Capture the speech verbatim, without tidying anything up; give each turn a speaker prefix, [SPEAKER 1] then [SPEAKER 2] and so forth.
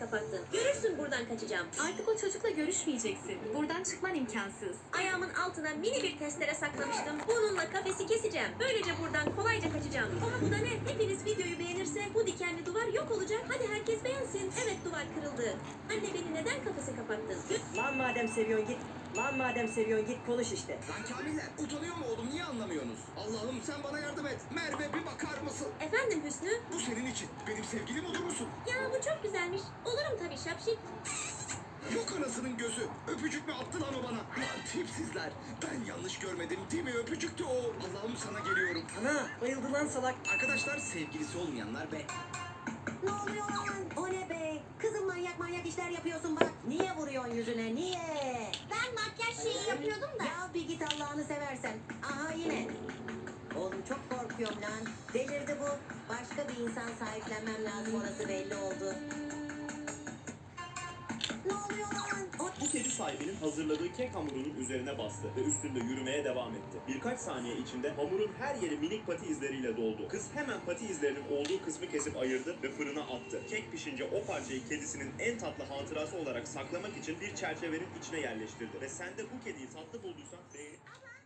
[SPEAKER 1] kapattın. Görürsün buradan kaçacağım.
[SPEAKER 2] Artık o çocukla görüşmeyeceksin. Buradan çıkman imkansız.
[SPEAKER 1] Ayağımın altına mini bir testere saklamıştım. Bununla kafesi keseceğim. Böylece buradan kolayca kaçacağım. Ama bu da ne? Hepiniz videoyu beğenirse bu dikenli duvar yok olacak. Hadi herkes beğensin. Evet, duvar kırıldı. Anne, beni neden kafese kapattın?
[SPEAKER 3] Lan madem seviyorsun git. Lan madem seviyorsun git konuş işte.
[SPEAKER 4] Lan Kamiller, utanıyor mu oğlum, niye anlamıyorsunuz? Allah'ım sen bana yardım et. Merve bir bakar mısın?
[SPEAKER 1] Efendim Hüsnü?
[SPEAKER 4] Bu senin için. Benim sevgilim olur musun?
[SPEAKER 1] Ya bu çok güzelmiş. Olurum tabii şapşik.
[SPEAKER 4] Yok anasının gözü. Öpücük mü attı lan o bana? Lan tipsizler. Ben yanlış görmedim değil mi? Öpücüktü o. Allah'ım sana geliyorum.
[SPEAKER 3] Ana bayıldı lan salak.
[SPEAKER 4] Arkadaşlar, sevgilisi olmayanlar be.
[SPEAKER 5] Ne oluyor lan? O ne be? Kızım manyak manyak işler yapıyorsun bak. Niye vuruyorsun yüzüne? Niye?
[SPEAKER 1] Ben makyaj şeyi yapıyordum da.
[SPEAKER 5] Ya bir git Allah'ını seversen. Aha yine. Oğlum çok korkuyorum lan. Delirdi bu. Başka bir insan sahiplenmem lazım, orası belli oldu. Ne oluyor lan? O...
[SPEAKER 6] Bu kedi sahibinin hazırladığı kek hamurunun üzerine bastı ve üstünde yürümeye devam etti. Birkaç saniye içinde hamurun her yeri minik pati izleriyle doldu. Kız hemen pati izlerinin olduğu kısmı kesip ayırdı ve fırına attı. Kek pişince o parçayı kedisinin en tatlı hatırası olarak saklamak için bir çerçevenin içine yerleştirdi. Ve sen de bu kediyi tatlı bulduysan beğenip...